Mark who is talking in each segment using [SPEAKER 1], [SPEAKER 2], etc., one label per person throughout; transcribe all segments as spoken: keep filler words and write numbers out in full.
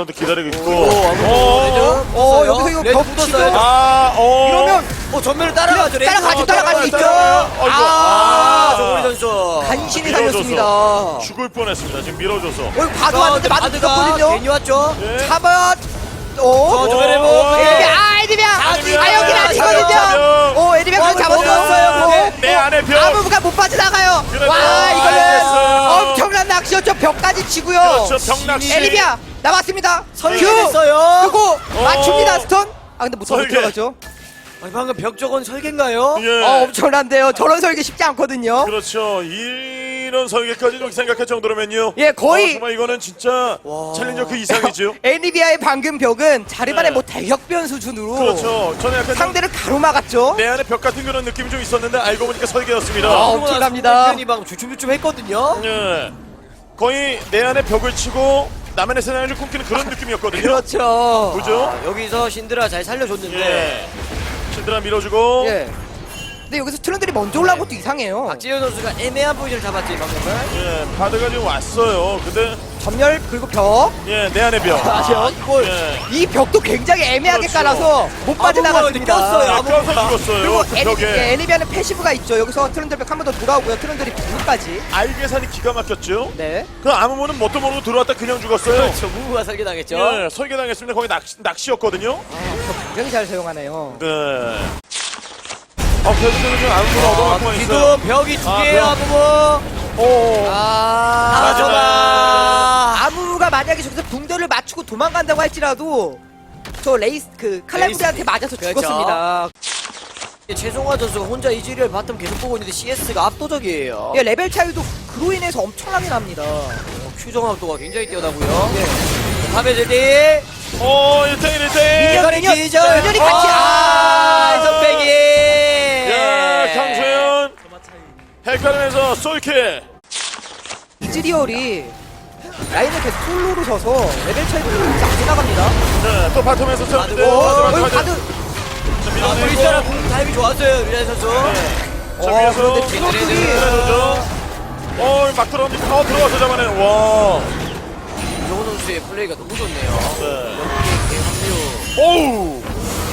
[SPEAKER 1] 드론도 기다리고 있고.
[SPEAKER 2] 어, 어, 여기서 이거 벽 치고
[SPEAKER 1] 아, 어.
[SPEAKER 2] 이러면
[SPEAKER 3] 어 전면을 따라가죠. 레이저.
[SPEAKER 2] 따라가죠, 따라갈 수 있죠.
[SPEAKER 1] 아이고.
[SPEAKER 3] 아, 정우리 선수.
[SPEAKER 2] 간신히
[SPEAKER 1] 밀어줘서
[SPEAKER 2] 살렸습니다.
[SPEAKER 1] 죽을 뻔했습니다. 지금 밀어줘서.
[SPEAKER 2] 어, 이거 봐도 왔는데 맞아 죽었거든요.
[SPEAKER 3] 괜히 왔죠.
[SPEAKER 1] 네.
[SPEAKER 2] 잡아.
[SPEAKER 3] 저
[SPEAKER 2] 어,
[SPEAKER 3] 저번에
[SPEAKER 1] 어,
[SPEAKER 3] 뭐
[SPEAKER 2] 에디비아, 아, 에디비아.
[SPEAKER 1] 에디비아.
[SPEAKER 2] 아, 여기는 아니거든요.
[SPEAKER 1] 잡혀.
[SPEAKER 2] 어, 에디비아 그걸
[SPEAKER 3] 먹었어요,
[SPEAKER 2] 잡았어요.
[SPEAKER 3] 그게.
[SPEAKER 1] 내 안에 벽.
[SPEAKER 2] 아무가 못 빠져나가요.
[SPEAKER 1] 그래도
[SPEAKER 2] 와,
[SPEAKER 1] 알겠어요.
[SPEAKER 2] 이거는 엄청난 낚시였죠. 벽까지 치고요.
[SPEAKER 1] 그렇죠. 병낚시.
[SPEAKER 2] 에디비아 나왔습니다.
[SPEAKER 3] 설계됐어요.
[SPEAKER 2] 그리고 맞춥니다. 스톤. 아, 근데 못
[SPEAKER 1] 설계.
[SPEAKER 2] 들어가죠.
[SPEAKER 3] 아니, 방금 벽 저건 설계인가요?
[SPEAKER 1] 예.
[SPEAKER 2] 어, 엄청난데요. 저런 설계 쉽지 않거든요.
[SPEAKER 1] 그렇죠. 이런 설계까지 좀 생각할 정도로면요.
[SPEAKER 2] 예, 거의-
[SPEAKER 1] 어, 정말 이거는 진짜
[SPEAKER 3] 와.
[SPEAKER 1] 챌린저 그 이상이죠.
[SPEAKER 2] 에니비아의 방금 벽은 자르반의
[SPEAKER 1] 네.
[SPEAKER 2] 뭐 대격변 수준으로
[SPEAKER 1] 그렇죠. 저는 약간 좀
[SPEAKER 2] 상대를 가로막았죠.
[SPEAKER 1] 내 안에 벽 같은 그런 느낌이 좀 있었는데 알고 보니까 설계였습니다.
[SPEAKER 2] 아, 엄청납니다.
[SPEAKER 3] 편이 방금 주춤주춤 했거든요.
[SPEAKER 1] 예. 거의 내 안에 벽을 치고 남의 세상을 꿈꾸는 그런 느낌이었거든요.
[SPEAKER 2] 그렇죠.
[SPEAKER 1] 그죠?
[SPEAKER 3] 아, 여기서 신드라 잘 살려줬는데
[SPEAKER 1] 예. 신드라 밀어주고.
[SPEAKER 2] 예. 근데 여기서 트런들이 먼저 올라온 것도 이상해요.
[SPEAKER 3] 박지현 선수가 애매한 포지션을 잡았지 방금은.
[SPEAKER 1] 예. 바드가 지금 왔어요. 근데
[SPEAKER 2] 전멸 그리고 벽.
[SPEAKER 1] 예, 내 안에 벽.
[SPEAKER 2] 아, 이걸
[SPEAKER 1] 예.
[SPEAKER 2] 이 벽도 굉장히 애매하게
[SPEAKER 1] 그렇죠.
[SPEAKER 2] 깔아서 못 빠져나갔습니다.
[SPEAKER 3] 꼈어요.
[SPEAKER 1] 아, 껴서 죽었어요.
[SPEAKER 2] 그리고
[SPEAKER 1] 그
[SPEAKER 2] 에니,
[SPEAKER 1] 벽에.
[SPEAKER 2] 예, 에니비아는 패시브가 있죠. 여기서 트런들 벽 한 번 더 돌아오고요. 트런들이 부까지.
[SPEAKER 1] 알 계산이 기가 막혔죠.
[SPEAKER 2] 네.
[SPEAKER 1] 그 아무 모는 뭣도 모르고 들어왔다 그냥 죽었어요.
[SPEAKER 3] 그렇죠. 무브가 설계당했죠.
[SPEAKER 1] 예, 설계당했습니다. 거기 낚시, 낚시였거든요.
[SPEAKER 2] 아, 벽 굉장히 잘 사용하네요.
[SPEAKER 1] 네. 아, 계속해서 지금 아무 모는 얻어맞고만 있어요.
[SPEAKER 3] 지금 벽이 두
[SPEAKER 1] 아,
[SPEAKER 3] 개예요,
[SPEAKER 1] 벽.
[SPEAKER 3] 무브.
[SPEAKER 1] 오.
[SPEAKER 2] 아,
[SPEAKER 1] 마지막.
[SPEAKER 3] 아,
[SPEAKER 2] 아무가 만약에 저기서 붕대를 맞추고 도망간다고 할지라도 저 레이스 그 칼라브리한테 맞아서
[SPEAKER 3] 그렇죠.
[SPEAKER 2] 죽었습니다.
[SPEAKER 3] 최송화 선수가 혼자 이즈리얼 바텀 계속 보고 있는데 씨에스가 압도적이에요.
[SPEAKER 2] 예, 레벨 차이도 그로 인해서 엄청나게 납니다.
[SPEAKER 3] 큐정 압도가 굉장히 뛰어나고요. 네. 탑에 제디.
[SPEAKER 1] 오, 일 대 일, 일 대 일.
[SPEAKER 2] 미니언,
[SPEAKER 3] 이거는
[SPEAKER 2] 미니언,
[SPEAKER 3] 기절.
[SPEAKER 2] 미니언이 같이.
[SPEAKER 3] 아,
[SPEAKER 2] 아,
[SPEAKER 3] 선배기.
[SPEAKER 1] 야, 강소연. 헷갈리면서 솔킬.
[SPEAKER 2] 이즈리얼이 라인을 계속 솔로로 서서 레벨 차이도 그렇게 안 지나갑니다.
[SPEAKER 1] 네, 또 바텀에서 쳤는데.
[SPEAKER 2] 오,
[SPEAKER 1] 마지막
[SPEAKER 2] 여기
[SPEAKER 1] 가드.
[SPEAKER 2] 가드.
[SPEAKER 1] 자,
[SPEAKER 3] 아,
[SPEAKER 1] 밀어내고.
[SPEAKER 3] 브리스타라 공 타임이 좋았어요, 류현 선수.
[SPEAKER 1] 자,
[SPEAKER 2] 어,
[SPEAKER 1] 위에서.
[SPEAKER 2] 그런데 트로트리.
[SPEAKER 1] 밀어내죠. 어, 막 들어옵니다. 어, 들어와서 잡아내. 와.
[SPEAKER 3] 이정호 선수의 플레이가 너무 좋네요.
[SPEAKER 1] 네.
[SPEAKER 3] 합류.
[SPEAKER 1] 오우.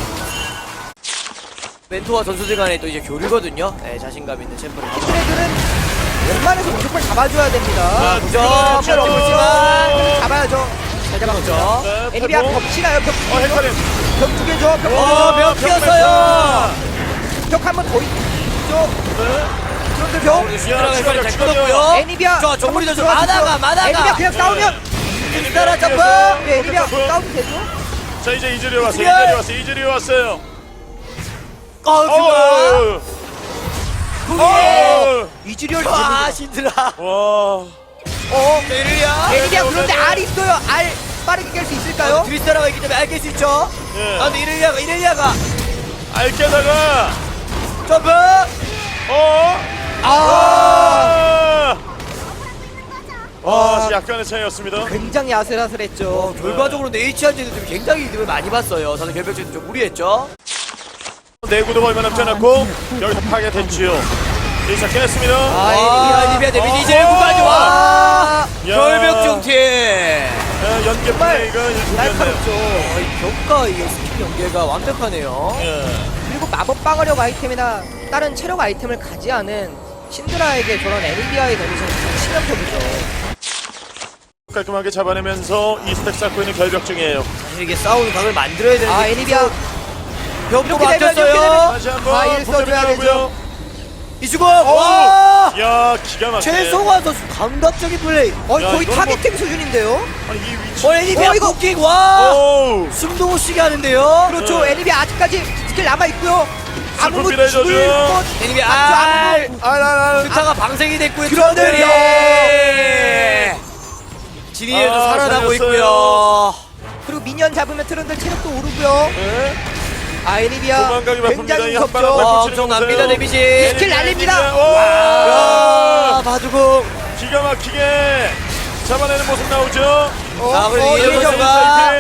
[SPEAKER 3] 멘토와 선수들 간에 또 이제 교류거든요. 네, 자신감 있는 챔프를.
[SPEAKER 2] 키드레들은 웬만해서 무조건 잡아줘야 됩니다.
[SPEAKER 1] 아,
[SPEAKER 3] 그죠?
[SPEAKER 1] 그렇죠.
[SPEAKER 3] 뼈 없지만.
[SPEAKER 2] 잡아야죠. 잘 잡았죠.
[SPEAKER 1] 네,
[SPEAKER 2] 에니비아
[SPEAKER 1] 페퍼.
[SPEAKER 2] 벽치나요? 벽
[SPEAKER 1] 어, 헷갈림.
[SPEAKER 2] 벽두 개죠. 벽.
[SPEAKER 3] 어, 벽 끼었어요.
[SPEAKER 2] 벽 한 번 더 있죠.
[SPEAKER 1] 네.
[SPEAKER 2] 그런데 벽.
[SPEAKER 3] 신드라가
[SPEAKER 1] 추가요,
[SPEAKER 3] 잘
[SPEAKER 1] 추가요.
[SPEAKER 3] 끊었고요.
[SPEAKER 2] 애니비아.
[SPEAKER 3] 자, 정우리 선수
[SPEAKER 2] 들어가서
[SPEAKER 3] 마다가, 마다가.
[SPEAKER 2] 애니비아 그냥 싸우면
[SPEAKER 3] 신드라 점프.
[SPEAKER 2] 네, 애니비아 싸우면 되죠.
[SPEAKER 1] 자, 이제 이즈리 왔어요.
[SPEAKER 3] 이즈리얼.
[SPEAKER 1] 이즈리 왔어요. 이즈리 왔어요.
[SPEAKER 3] 어, 그거.
[SPEAKER 1] 어.
[SPEAKER 3] 구기.
[SPEAKER 1] 어.
[SPEAKER 2] 이즈리얼
[SPEAKER 3] 아, 신드라.
[SPEAKER 1] 와.
[SPEAKER 2] 어.
[SPEAKER 3] 에르리아.
[SPEAKER 2] 애니비아 그런데 알 있어요. 알 빠르게 깰 수 있을까요?
[SPEAKER 3] 트리스타라가 있기 때문에 알게 수 있죠.
[SPEAKER 1] 예.
[SPEAKER 3] 아, 근데 이렐리아가, 이렐리아가.
[SPEAKER 1] 알게다가
[SPEAKER 3] 점프.
[SPEAKER 1] 어.
[SPEAKER 2] 아.
[SPEAKER 1] 아. 아, 약간의 차이였습니다.
[SPEAKER 2] 굉장히 아슬아슬했죠.
[SPEAKER 3] 결과적으로 H한테는 좀 굉장히 이득을 많이 봤어요. 저는 결벽전이 좀 무리했죠.
[SPEAKER 1] 내구도 얼마 남지 않았고 여기서 파괴됐지요. 이제 깼습니다.
[SPEAKER 3] 아,
[SPEAKER 1] 와.
[SPEAKER 3] 에니비아 데미지
[SPEAKER 1] 어.
[SPEAKER 3] 이제 구까지 와.
[SPEAKER 1] 야.
[SPEAKER 3] 결벽중 팀.
[SPEAKER 1] 야, 연계 플레이가 일품이었네요.
[SPEAKER 2] 날카롭죠.
[SPEAKER 3] 아, 이 벽과 이 스킬 연계가 완벽하네요.
[SPEAKER 1] 예.
[SPEAKER 2] 그리고 마법 방어력 아이템이나 다른 체력 아이템을 가지 않은 신드라에게 저런 애니비아의 데미지는 치명적이죠.
[SPEAKER 1] 깔끔하게 잡아내면서 이 스택 쌓고 있는 결벽증이에요.
[SPEAKER 3] 사실 이게 싸우는 각을 만들어야 되는데
[SPEAKER 2] 아, 애니비아
[SPEAKER 3] 벽도
[SPEAKER 2] 이렇게 되면, 이렇게
[SPEAKER 3] 막혔어요.
[SPEAKER 1] 다시 한번
[SPEAKER 2] 아, 일 써줘야 되죠.
[SPEAKER 3] 이수고. 와.
[SPEAKER 1] 야, 기가 막히네.
[SPEAKER 3] 최송화 선수 감각적인 플레이.
[SPEAKER 2] 어,
[SPEAKER 1] 야,
[SPEAKER 2] 거의
[SPEAKER 1] 이거는
[SPEAKER 2] 타겟팅 수준인데요.
[SPEAKER 1] 아니, 이 위치.
[SPEAKER 3] 어, 애니비아
[SPEAKER 2] 어, 이거-
[SPEAKER 3] 복킹. 와.
[SPEAKER 1] 오.
[SPEAKER 3] 숨도 못 쉬게 하는데요.
[SPEAKER 2] 그렇죠.
[SPEAKER 1] 네.
[SPEAKER 2] 애니비아 아직까지 스킬 남아 있고요. 아무도
[SPEAKER 1] 슬픈 미래죠,
[SPEAKER 2] 죽을
[SPEAKER 1] 지금.
[SPEAKER 2] 것
[SPEAKER 3] 애니비아
[SPEAKER 2] 맞죠?
[SPEAKER 3] 알.
[SPEAKER 2] 아무도-
[SPEAKER 1] 아, 아, 아.
[SPEAKER 3] 스타가 방생이 됐고요.
[SPEAKER 2] 그런데요.
[SPEAKER 3] 트런들이 지니에도
[SPEAKER 1] 아,
[SPEAKER 3] 살아나고
[SPEAKER 1] 살렸어요.
[SPEAKER 3] 있고요.
[SPEAKER 2] 그리고 미니언 잡으면 트런들 체력도 오르고요.
[SPEAKER 1] 네.
[SPEAKER 2] 아, 애니비아
[SPEAKER 1] 도망가기 바쁩니다.
[SPEAKER 2] 굉장히
[SPEAKER 1] 이 한 발을
[SPEAKER 2] 무섭죠.
[SPEAKER 1] 밟고
[SPEAKER 3] 와,
[SPEAKER 1] 치는
[SPEAKER 3] 엄청납니다,
[SPEAKER 1] 거보세요.
[SPEAKER 3] 데미지.
[SPEAKER 2] 스킬 날립니다.
[SPEAKER 1] 와.
[SPEAKER 3] 아, 바둑궁.
[SPEAKER 1] 기가 막히게 잡아내는 모습 나오죠.
[SPEAKER 2] 어,
[SPEAKER 3] 자, 그리고
[SPEAKER 2] 어,
[SPEAKER 3] 이재동
[SPEAKER 2] 이재동.
[SPEAKER 3] 선수가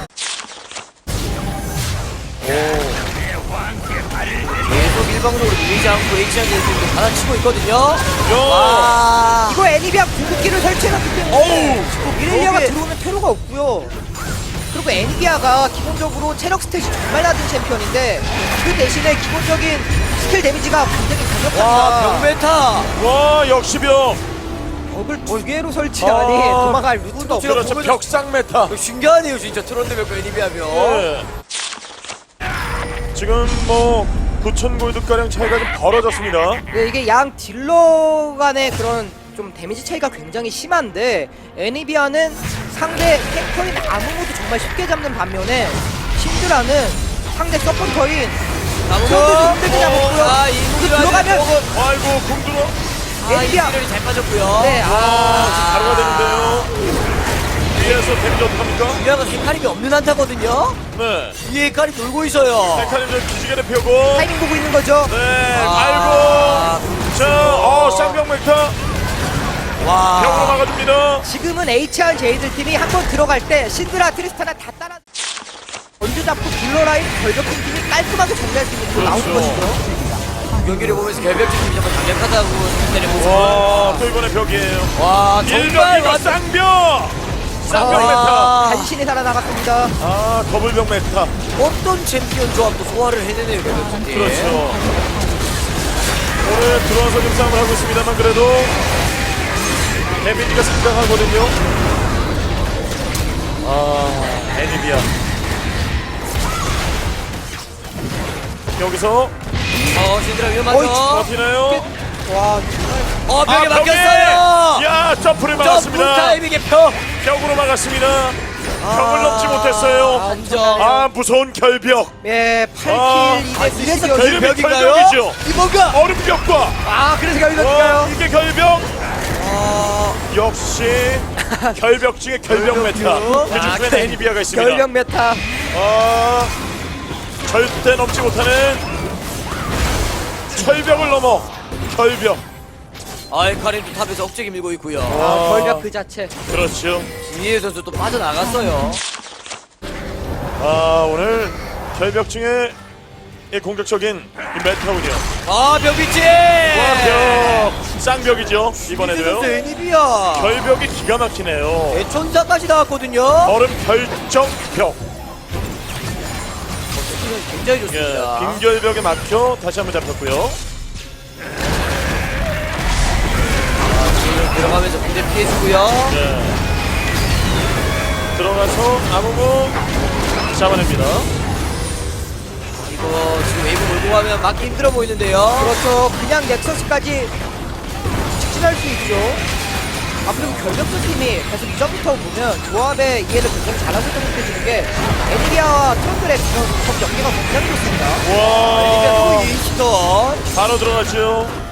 [SPEAKER 3] 계속 일방적으로 밀리지 않고 H한테 지금 받아치고 있거든요.
[SPEAKER 1] 야.
[SPEAKER 3] 와.
[SPEAKER 2] 이거 애니비아 궁극기를 설치해놨기 때문에
[SPEAKER 1] 어우.
[SPEAKER 2] 이렐리아가
[SPEAKER 3] 여기-
[SPEAKER 2] 들어오면 퇴로가 없고요. 그리고 엔비아가 기본적으로 체력 스탯이 정말 낮은 챔피언인데 그 대신에 기본적인 스킬 데미지가 굉장히
[SPEAKER 3] 와
[SPEAKER 2] 강력합니다.
[SPEAKER 3] 병메타.
[SPEAKER 1] 와 역시 벽.
[SPEAKER 2] 벽을 두 개로 설치하니
[SPEAKER 1] 아,
[SPEAKER 2] 도망갈 루트가 없고.
[SPEAKER 3] 제가
[SPEAKER 1] 그렇죠.
[SPEAKER 3] 보면서-
[SPEAKER 1] 벽상 메타.
[SPEAKER 3] 이거 신기하네요 진짜 트론드 벽과 애니비하면.
[SPEAKER 1] 네. 지금 뭐 구천 골드 가량 차이가 좀 벌어졌습니다.
[SPEAKER 2] 네, 이게 양 딜러 간의 그런 좀 데미지 차이가 굉장히 심한데 애니비아는 상대 탱커인 아무모도 정말 쉽게 잡는 반면에 신드라는 상대 서포터인 트런드도 힘들게 잡았고요.
[SPEAKER 3] 아, 이
[SPEAKER 2] 그 들어가면
[SPEAKER 1] 아이고 공 들어.
[SPEAKER 3] 아,
[SPEAKER 2] 애니비아.
[SPEAKER 3] 이들이 잘 빠졌고요.
[SPEAKER 2] 네,
[SPEAKER 1] 아,
[SPEAKER 2] 아,
[SPEAKER 1] 바로가 되는데요. 위에서 데미지 어떡합니까?
[SPEAKER 3] 유야가 헤카림이 없는 한타거든요.
[SPEAKER 1] 네.
[SPEAKER 3] 위에 헤카림 돌고 있어요.
[SPEAKER 1] 메카님 좀 기지개를 펴고.
[SPEAKER 2] 타이밍 보고 있는 거죠.
[SPEAKER 1] 네.
[SPEAKER 3] 아,
[SPEAKER 1] 아이고. 자, 어 쌍벽 메타
[SPEAKER 3] 와.
[SPEAKER 1] 벽으로 막아줍니다.
[SPEAKER 2] 지금은 에이치알 제이들 팀이 한 번 들어갈 때 신드라 트리스타나 다 따라 먼저 잡고 딜러 라인 결벽한 팀이 깔끔하게 정리할 수 있는 그 나오는
[SPEAKER 1] 그렇죠.
[SPEAKER 2] 것이죠.
[SPEAKER 3] 경기를 보면서 결벽 팀이 정말 강력하다고 생각되는 모습.
[SPEAKER 1] 와, 또 이번에 벽이에요.
[SPEAKER 3] 와 정말
[SPEAKER 1] 일벽이가
[SPEAKER 3] 완전
[SPEAKER 1] 쌍벽. 쌍벽
[SPEAKER 3] 아.
[SPEAKER 1] 메타.
[SPEAKER 2] 간신히 살아나갔습니다.
[SPEAKER 1] 아, 더블벽 메타.
[SPEAKER 3] 어떤 챔피언 조합도 소화를 해내네요 결벽 팀.
[SPEAKER 1] 그렇죠. 오늘 들어와서 좀 싸움을 하고 있습니다만 그래도 데미지가 상당하거든요. 아, 애니비아. 여기서
[SPEAKER 3] 어 신드라
[SPEAKER 2] 어이,
[SPEAKER 3] 위험하죠.
[SPEAKER 1] 버티나요?
[SPEAKER 2] 와,
[SPEAKER 3] 어 벽에
[SPEAKER 1] 아, 벽에!
[SPEAKER 3] 막혔어요.
[SPEAKER 1] 야, 점프를
[SPEAKER 3] 점프
[SPEAKER 1] 막았습니다.
[SPEAKER 3] 타이밍의 벽.
[SPEAKER 1] 벽으로 막았습니다.
[SPEAKER 3] 아,
[SPEAKER 1] 벽을 넘지 못했어요.
[SPEAKER 3] 안정.
[SPEAKER 1] 아, 무서운 결벽.
[SPEAKER 2] 예,
[SPEAKER 1] 아,
[SPEAKER 2] 팔 킬
[SPEAKER 3] 이래서
[SPEAKER 2] 이대
[SPEAKER 1] 이름이
[SPEAKER 3] 결벽인가요?
[SPEAKER 1] 결벽이죠.
[SPEAKER 3] 이모가.
[SPEAKER 1] 얼음벽과.
[SPEAKER 2] 아, 그래서
[SPEAKER 1] 와,
[SPEAKER 2] 결벽인가요?
[SPEAKER 1] 이게 결벽.
[SPEAKER 3] 아,
[SPEAKER 1] 역시 결벽 중에 결벽 메타. 그
[SPEAKER 3] 아,
[SPEAKER 1] 중에
[SPEAKER 3] 결-
[SPEAKER 1] 애니비아가 있습니다.
[SPEAKER 2] 결벽 메타.
[SPEAKER 1] 아, 절대 넘지 못하는 철벽을 넘어 결벽.
[SPEAKER 3] 아 헤카림도 탑에서 억제기 밀고 있고요.
[SPEAKER 2] 아, 결벽 그 자체.
[SPEAKER 1] 그렇죠.
[SPEAKER 3] 이해 선수 또 빠져나갔어요.
[SPEAKER 1] 아, 오늘 결벽 중에 이 공격적인 이 메타군요.
[SPEAKER 3] 아 벽비치.
[SPEAKER 1] 와, 벽 쌍벽이죠. 이번에도요.
[SPEAKER 3] 선수 애니비아.
[SPEAKER 1] 결벽이 기가 막히네요.
[SPEAKER 3] 대천사까지 나왔거든요.
[SPEAKER 1] 얼음 결정벽.
[SPEAKER 3] 굉장히
[SPEAKER 1] 예,
[SPEAKER 3] 좋습니다.
[SPEAKER 1] 빙결벽에 막혀 다시 한번 잡혔고요.
[SPEAKER 3] 들어가면서 군대 피해주고요.
[SPEAKER 1] 예. 들어가서 아무무 잡아냅니다.
[SPEAKER 3] 이거 지금 웨이브 몰고 가면 막기 힘들어 보이는데요.
[SPEAKER 2] 그렇죠. 그냥 넥서스까지 직진할 수 있죠. 아, 그리고 결벽수 팀이 계속 이전부터 보면 조합의 이해를 굉장히 잘하고 있다고 느껴지는 게 애니비아와 트런들의 그런 적 연계가 굉장히 좋습니다.
[SPEAKER 1] 와,
[SPEAKER 3] 또 인스턴.
[SPEAKER 1] 바로 들어갔죠.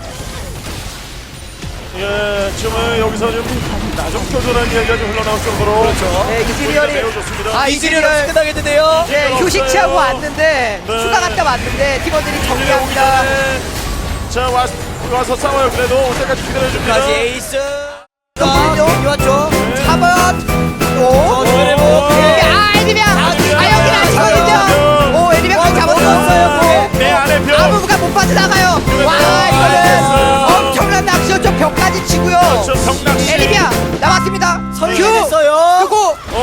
[SPEAKER 1] 예, 지금은 여기서 좀 나좀 껴줘라는 이야기가 좀 흘러나올 정도로.
[SPEAKER 3] 그렇죠.
[SPEAKER 2] 네, 이즈리얼이
[SPEAKER 1] 매우 좋습니다.
[SPEAKER 2] 아,
[SPEAKER 3] 이즈리얼
[SPEAKER 2] 이즈리얼
[SPEAKER 3] 끝나겠는데요.
[SPEAKER 2] 네,
[SPEAKER 1] 없어요.
[SPEAKER 2] 휴식 취하고 왔는데
[SPEAKER 1] 네.
[SPEAKER 2] 휴가 갔다 왔는데 팀원들이
[SPEAKER 1] 이제 오기
[SPEAKER 2] 정리합니다.
[SPEAKER 1] 전에 자, 와, 와서 싸워요. 그래도 올 때까지 기다려줍니다.
[SPEAKER 3] 다시 에이스.
[SPEAKER 2] 잠깐만요.
[SPEAKER 3] 이 왔죠.
[SPEAKER 2] 잡아 또
[SPEAKER 3] 어, 노래 뭐.
[SPEAKER 2] 아, 애니비아 아, 여긴 아니거든요. 오, 애니비아까지 잡았어요. 네.
[SPEAKER 1] 내 안에 벽.
[SPEAKER 2] 아무가 못 빠져나가요. 와, 이거는 엄청난 낚시였죠. 벽까지 치고요.
[SPEAKER 1] 저 성낚시.
[SPEAKER 2] 애니비아 나왔습니다.
[SPEAKER 3] 선택했어요.
[SPEAKER 2] 그리고